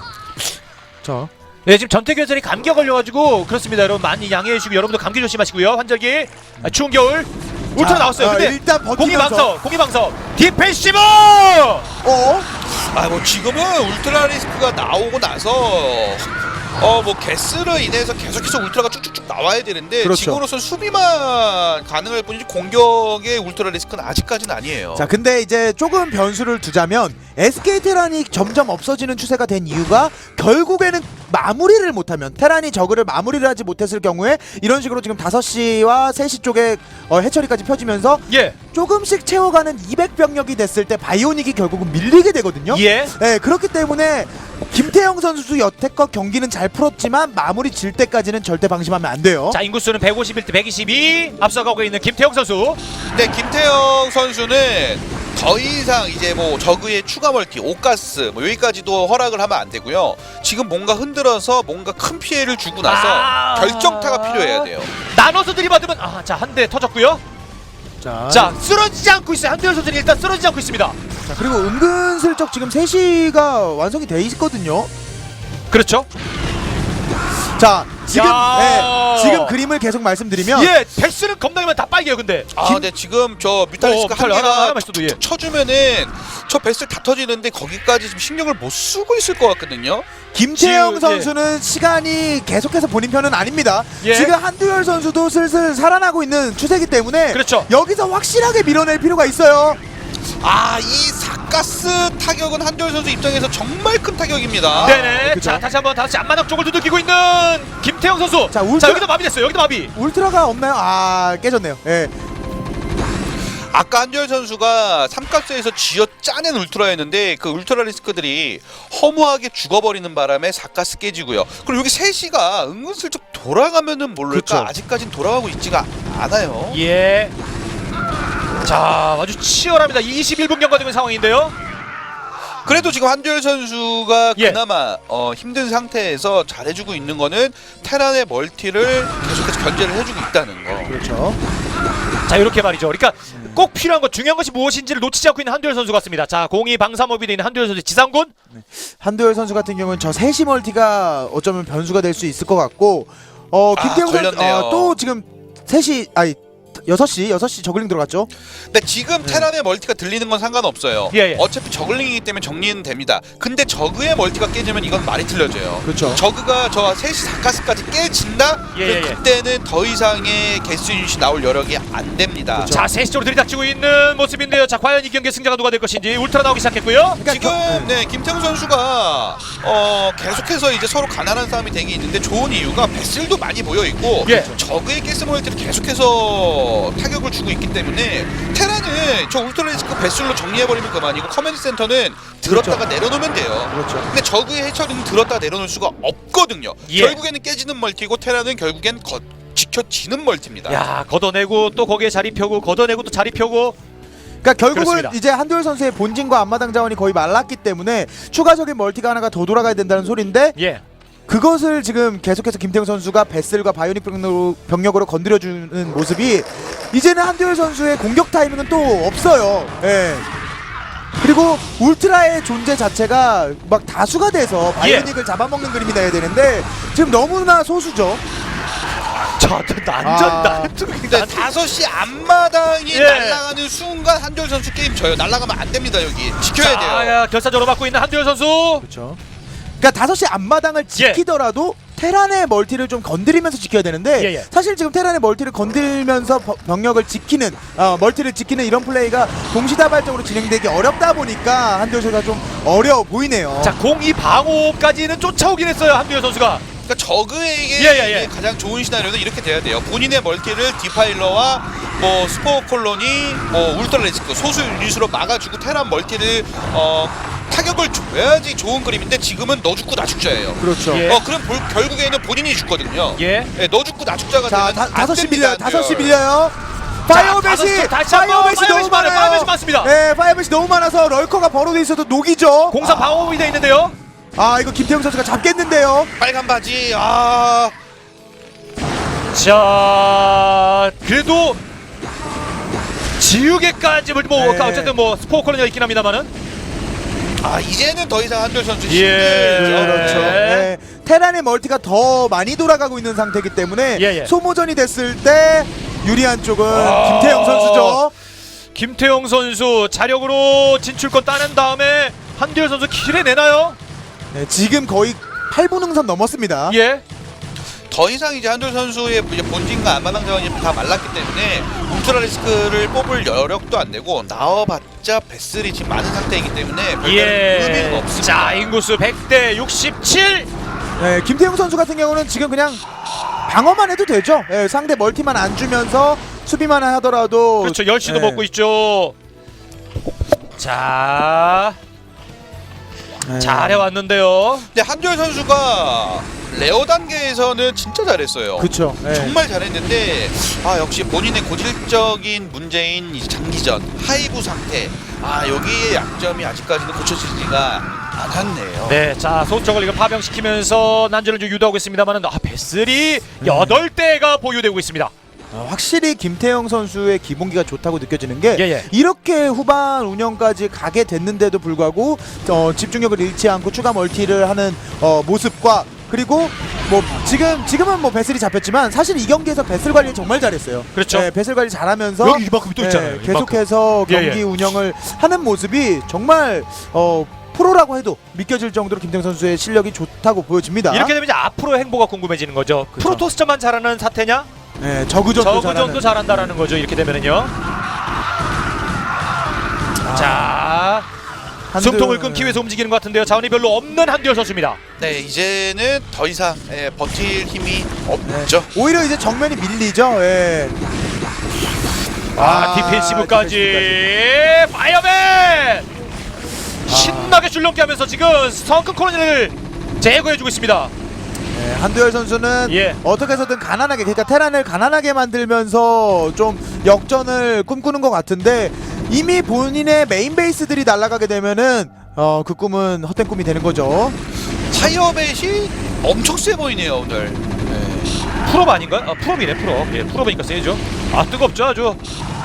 [SPEAKER 2] 자,
[SPEAKER 1] 네, 지금 전태규 이 감기가 걸려가지고 그렇습니다. 여러분 많이 양해해 주시고 여러분도 감기 조심하시고요. 환절기 아, 추운 겨울 울트라
[SPEAKER 2] 자,
[SPEAKER 1] 나왔어요.
[SPEAKER 2] 어,
[SPEAKER 1] 근데
[SPEAKER 2] 일단
[SPEAKER 1] 공기
[SPEAKER 2] 버티면서
[SPEAKER 1] 방석, 공기 방석, 디펜시브.
[SPEAKER 2] 어?
[SPEAKER 3] 아, 뭐 지금은 울트라 리스크가 나오고 나서 어 뭐 게스로 인해서 계속해서 울트라가 쭉쭉쭉 나와야 되는데
[SPEAKER 2] 그렇죠.
[SPEAKER 3] 지금으로선 수비만 가능할 뿐이지 공격의 울트라 리스크는 아직까지는 아니에요.
[SPEAKER 2] 자, 근데 이제 조금 변수를 두자면 에스케이 테란이 점점 없어지는 추세가 된 이유가 결국에는 마무리를 못하면 테란이 저그를 마무리를 하지 못했을 경우에 이런 식으로 지금 다섯 시와 세 시 쪽에 어, 해처리까지 펴지면서
[SPEAKER 1] 예.
[SPEAKER 2] 조금씩 채워가는 이백 병력이 됐을 때 바이오닉이 결국은 밀리게 되거든요.
[SPEAKER 1] 예.
[SPEAKER 2] 네, 그렇기 때문에 김태형 선수 여태껏 경기는 잘 풀었지만 마무리 질 때까지는 절대 방심하면 안 돼요.
[SPEAKER 1] 자, 인구수는 백오십일 대 백이십이 앞서가고 있는 김태형 선수.
[SPEAKER 3] 근데 김태형 선수는 더 이상 이제 뭐 저그의 추가 멀티, 오가스 뭐 여기까지도 허락을 하면 안 되고요. 지금 뭔가 흔들어서 뭔가 큰 피해를 주고 나서
[SPEAKER 1] 아
[SPEAKER 3] 결정타가 필요해야 돼요.
[SPEAKER 1] 나눠서 들이받으면 아, 자, 한 대 터졌고요.
[SPEAKER 2] 자,
[SPEAKER 1] 자, 쓰러지지 않고 있어요. 한두열 선수는 일단 쓰러지지 않고 있습니다.
[SPEAKER 2] 자, 그리고 은근슬쩍 지금 세 시가 완성이 돼 있거든요.
[SPEAKER 1] 그렇죠.
[SPEAKER 2] 자, 지금
[SPEAKER 1] 야.
[SPEAKER 2] 네, 지금 그림을 계속 말씀드리면
[SPEAKER 1] 예, 백스는 겁나면 다 빨개요. 근데
[SPEAKER 3] 아,
[SPEAKER 2] 김-
[SPEAKER 3] 근데 지금 저
[SPEAKER 1] 어,
[SPEAKER 3] 뮤탈리스크가 한
[SPEAKER 1] 하나,
[SPEAKER 3] 개가
[SPEAKER 1] 하나만 있어도, 예.
[SPEAKER 3] 툭툭 쳐주면은 저 베슬 다 터지는데 거기까지 지금 신경을 못 쓰고 있을 것 같거든요.
[SPEAKER 2] 김태형
[SPEAKER 1] 지금,
[SPEAKER 2] 선수는 시간이 계속해서 본인 편은 아닙니다.
[SPEAKER 1] 예.
[SPEAKER 2] 지금 한두열 선수도 슬슬 살아나고 있는 추세이기 때문에
[SPEAKER 1] 그렇죠.
[SPEAKER 2] 여기서 확실하게 밀어낼 필요가 있어요.
[SPEAKER 3] 아, 이 사가스 타격은 한두열 선수 입장에서 정말 큰 타격입니다.
[SPEAKER 1] 네네.
[SPEAKER 2] 그죠.
[SPEAKER 1] 자, 다시 한번 다시 앞마당 쪽을 두들기고 있는 김태형 선수.
[SPEAKER 2] 자,
[SPEAKER 1] 자,
[SPEAKER 2] 울트라-
[SPEAKER 1] 여기도 마비됐어요. 여기도 마비.
[SPEAKER 2] 울트라가 없나요? 아, 깨졌네요. 예.
[SPEAKER 3] 아까 한두열 선수가 삼가스에서 쥐어 짜낸 울트라였는데 그 울트라 리스크들이 허무하게 죽어버리는 바람에 사가스 깨지고요. 그리고 여기 셋시가 은근슬쩍 돌아가면은 모를까
[SPEAKER 2] 그쵸.
[SPEAKER 3] 아직까진 돌아가고 있지가 않아요.
[SPEAKER 1] 예. 자, 아주 치열합니다. 이십일 분 경과되는 상황인데요.
[SPEAKER 3] 그래도 지금 한두열 선수가
[SPEAKER 1] 예.
[SPEAKER 3] 그나마 어, 힘든 상태에서 잘해주고 있는 거는 테란의 멀티를 계속해서 견제를 해주고 있다는 거.
[SPEAKER 2] 그렇죠.
[SPEAKER 1] 자, 이렇게 말이죠. 그러니까 꼭 필요한 것, 중요한 것이 무엇인지를 놓치지 않고 있는 한두열 선수 같습니다. 자, 공이 방사모비에 있는 한두열 선수 지상군.
[SPEAKER 2] 한두열 선수 같은 경우는 저 셋시 멀티가 어쩌면 변수가 될 수 있을 것 같고 어,
[SPEAKER 3] 아,
[SPEAKER 2] 김태형 선수
[SPEAKER 3] 걸렸네요.
[SPEAKER 2] 어, 또 지금 셋시 아니 여섯 시 여섯 시 저글링 들어갔죠?
[SPEAKER 3] 근데 지금 테란의 멀티가 들리는 건 상관없어요.
[SPEAKER 1] 예, 예.
[SPEAKER 3] 어차피 저글링이기 때문에 정리는 됩니다. 근데 저그의 멀티가 깨지면 이건 말이 틀려져요.
[SPEAKER 2] 그렇죠.
[SPEAKER 3] 저그가 저 셋시 사가스까지 깨진다?
[SPEAKER 1] 예, 예, 예.
[SPEAKER 3] 그때는 더 이상의 개수 유닛이 나올 여력이 안 됩니다.
[SPEAKER 2] 그렇죠.
[SPEAKER 1] 자, 세 시 쪽으로 들이닥치고 있는 모습인데요. 자, 과연 이 경기의 승자가 누가 될 것인지 울트라 나오기 시작했고요.
[SPEAKER 2] 그러니까
[SPEAKER 3] 지금
[SPEAKER 2] 겨-
[SPEAKER 3] 네 김태형 선수가 어 계속해서 이제 서로 가난한 싸움이 되게 있는데 좋은 이유가 배슬도 많이 모여 있고
[SPEAKER 1] 예.
[SPEAKER 3] 적의 가스 모일티를 계속해서 타격을 주고 있기 때문에 테란은 저 울트라 리스크 배슬로 정리해버리면 그만이고 커맨드 센터는 들었다가 내려놓으면 돼요.
[SPEAKER 2] 그렇죠.
[SPEAKER 3] 근데 적의 해처리는 들었다가 내려놓을 수가 없거든요.
[SPEAKER 1] 예.
[SPEAKER 3] 결국에는 깨지는 멀티고 테란은 결국엔 거, 지켜지는 멀티입니다.
[SPEAKER 1] 야, 걷어내고 또 거기에 자리 펴고 걷어내고 또 자리 펴고.
[SPEAKER 2] 그러니까 결국은
[SPEAKER 1] 그렇습니다.
[SPEAKER 2] 이제 한두열 선수의 본진과 앞마당 자원이 거의 말랐기 때문에 추가적인 멀티가 하나가 더 돌아가야 된다는 소리인데
[SPEAKER 1] 예.
[SPEAKER 2] 그것을 지금 계속해서 김태형 선수가 베슬과 바이오닉 병력으로, 병력으로 건드려주는 모습이 이제는 한두열 선수의 공격 타이밍은 또 없어요. 예. 그리고 울트라의 존재 자체가 막 다수가 돼서 바이오닉을
[SPEAKER 1] 예.
[SPEAKER 2] 잡아먹는 그림이 나야 되는데 지금 너무나 소수죠.
[SPEAKER 1] 자, 완전
[SPEAKER 2] 아.
[SPEAKER 1] 난투.
[SPEAKER 3] 근데 다섯 시 앞마당이
[SPEAKER 1] 예.
[SPEAKER 3] 날아가는 순간 한두열 선수 게임 져요. 날아가면 안 됩니다. 여기 지켜야 돼요.
[SPEAKER 1] 야, 결사적으로 받고 있는 한두열 선수.
[SPEAKER 2] 그렇죠. 그러니까 다섯 시 앞마당을 지키더라도 테란의 멀티를 좀 건드리면서 지켜야 되는데
[SPEAKER 1] 예, 예.
[SPEAKER 2] 사실 지금 테란의 멀티를 건들면서 버- 병력을 지키는 어, 멀티를 지키는 이런 플레이가 동시다발적으로 진행되기 어렵다 보니까 한두열 선수가 좀 어려워 보이네요.
[SPEAKER 1] 자, 공이 방어까지는 쫓아오긴 했어요. 한두열 선수가.
[SPEAKER 3] 그러니까 저그에게
[SPEAKER 1] 예, 예, 예.
[SPEAKER 3] 가장 좋은 시나리오는 이렇게 돼야 돼요. 본인의 멀티를 디파일러와 뭐 스포 콜로니, 뭐 울트라 리스크 소수 유닛으로 막아주고 테란 멀티를 어, 타격을 줘야지 좋은 그림인데 지금은 너 죽고 나 죽자예요.
[SPEAKER 2] 그렇죠.
[SPEAKER 1] 예.
[SPEAKER 3] 어 그럼 볼- 결국에는 본인이 죽거든요.
[SPEAKER 1] 예.
[SPEAKER 3] 예, 너 죽고 나 죽자가
[SPEAKER 2] 자,
[SPEAKER 3] 되면
[SPEAKER 2] 다,
[SPEAKER 3] 안
[SPEAKER 2] 다섯 시
[SPEAKER 3] 됩니다,
[SPEAKER 2] 밀려요. 다섯 시
[SPEAKER 3] 한두열.
[SPEAKER 2] 밀려요.
[SPEAKER 1] 다섯
[SPEAKER 2] 파이어벳이
[SPEAKER 1] 시 다시 한번
[SPEAKER 2] 파이어벳이 너무
[SPEAKER 1] 파이어벳이 많아요.
[SPEAKER 2] 많아요.
[SPEAKER 1] 파이어벳이 많습니다.
[SPEAKER 2] 네, 파이어벳이 너무 많아서 럴커가 벌어져 있어도 녹이죠.
[SPEAKER 1] 공사 방어이 돼 있는데요.
[SPEAKER 2] 아, 이거 김태형 선수가 잡겠는데요.
[SPEAKER 3] 빨간 바지. 아,
[SPEAKER 1] 자, 그래도 지우개까지 뭐
[SPEAKER 2] 네.
[SPEAKER 1] 어쨌든 뭐 스포 콜로니가 있긴 합니다만은.
[SPEAKER 3] 아 이제는 더 이상 한두열 선수
[SPEAKER 1] 예.
[SPEAKER 3] 힘들죠.
[SPEAKER 2] 그렇죠.
[SPEAKER 1] 네.
[SPEAKER 2] 네. 테란의 멀티가 더 많이 돌아가고 있는 상태이기 때문에
[SPEAKER 1] 예, 예.
[SPEAKER 2] 소모전이 됐을 때 유리한 쪽은
[SPEAKER 1] 아.
[SPEAKER 2] 김태형 선수죠.
[SPEAKER 1] 김태형 선수 자력으로 진출권 따낸 다음에 한두열 선수 킬해 내나요?
[SPEAKER 2] 네, 지금 거의 팔 분 응선 넘었습니다.
[SPEAKER 1] 예.
[SPEAKER 3] 더 이상 이제 한돌 선수의 이제 본진과 안마당 자원이 다 말랐기 때문에 울트라 리스크를 뽑을 여력도 안 되고 나와봤자 베슬이 지금 많은 상태이기 때문에 별다른 의미가
[SPEAKER 1] 예.
[SPEAKER 3] 없습니다.
[SPEAKER 1] 자, 인구수 백 대 육십칠.
[SPEAKER 2] 네, 김태형 선수 같은 경우는 지금 그냥 방어만 해도 되죠. 예, 상대 멀티만 안 주면서 수비만 하더라도
[SPEAKER 1] 그렇죠. 열시도
[SPEAKER 2] 예.
[SPEAKER 1] 먹고 있죠. 자,
[SPEAKER 2] 예.
[SPEAKER 1] 잘해왔는데요.
[SPEAKER 3] 근데 한돌 선수가 레어 단계에서는 진짜 잘했어요.
[SPEAKER 2] 그렇죠. 예.
[SPEAKER 3] 정말 잘했는데 아 역시 본인의 고질적인 문제인 이 장기전 하이브 상태 아 여기의 약점이 아직까지는 고쳐지지가 않았네요.
[SPEAKER 1] 네, 자 소속을 이거 파병시키면서 난전을 좀 유도하고 있습니다만은 아 베슬이 여덟 대가 보유되고 있습니다.
[SPEAKER 2] 어, 확실히 김태형 선수의 기본기가 좋다고 느껴지는 게
[SPEAKER 1] 예, 예.
[SPEAKER 2] 이렇게 후반 운영까지 가게 됐는데도 불구하고 어, 집중력을 잃지 않고 추가 멀티를 하는 어, 모습과 그리고 뭐 지금 지금은 뭐 배슬이 잡혔지만 사실 이 경기에서 배슬 관리 정말 잘했어요.
[SPEAKER 1] 그렇죠.
[SPEAKER 2] 네, 배슬 관리 잘하면서
[SPEAKER 1] 여기 이만큼 또 있잖아요. 이만큼.
[SPEAKER 2] 계속해서
[SPEAKER 1] 예,
[SPEAKER 2] 경기
[SPEAKER 1] 예.
[SPEAKER 2] 운영을 하는 모습이 정말 어, 프로라고 해도 믿겨질 정도로 김태형 선수의 실력이 좋다고 보여집니다.
[SPEAKER 1] 이렇게 되면 이제 앞으로의 행보가 궁금해지는 거죠.
[SPEAKER 2] 그렇죠.
[SPEAKER 1] 프로토스전만 잘하는 사태냐?
[SPEAKER 2] 네, 저그전도
[SPEAKER 1] 저그
[SPEAKER 2] 잘하는.
[SPEAKER 1] 정도 잘한다라는 거죠. 이렇게 되면은요. 자,
[SPEAKER 2] 한두-
[SPEAKER 1] 숨통을 끊기 위해서 움직이는 것 같은데요. 자원이 별로 없는 한두열 선수입니다.
[SPEAKER 3] 네 이제는 더 이상 예, 버틸 힘이 없죠.
[SPEAKER 2] 오히려 이제 정면이 밀리죠. 예.
[SPEAKER 1] 아, 디펜시브까지 파이어맨 신나게 줄넘기 하면서 지금 성큰 코너를 제거해주고 있습니다.
[SPEAKER 2] 네, 한두열 선수는
[SPEAKER 1] 예.
[SPEAKER 2] 어떻게 해서든 가난하게 그러니까 테란을 가난하게 만들면서 좀 역전을 꿈꾸는 것 같은데 이미 본인의 메인 베이스들이 날아가게 되면은 어, 그 꿈은 헛된 꿈이 되는 거죠.
[SPEAKER 3] 타이어벳이 엄청 세 보이네요 오늘.
[SPEAKER 1] 풀업 아닌가? 아, 풀업이네 풀업. 예, 풀업이니까 세죠. 아 뜨겁죠 아주.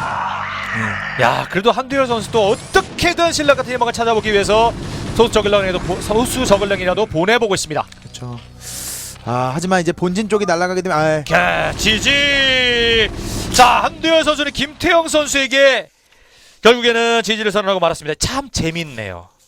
[SPEAKER 1] 야 그래도 한두열 선수도 어떻게든 신라 같은 희망을 찾아보기 위해서 소수 저글링이라도 보- 소수 저글링이라도 보내보고 있습니다.
[SPEAKER 2] 그렇죠. 아 하지만 이제 본진 쪽이 날아가게 되면 아,
[SPEAKER 1] 야, 지지. 자 한두열 선수는 김태형 선수에게 결국에는 지지를 선언하고 말았습니다. 참 재밌네요.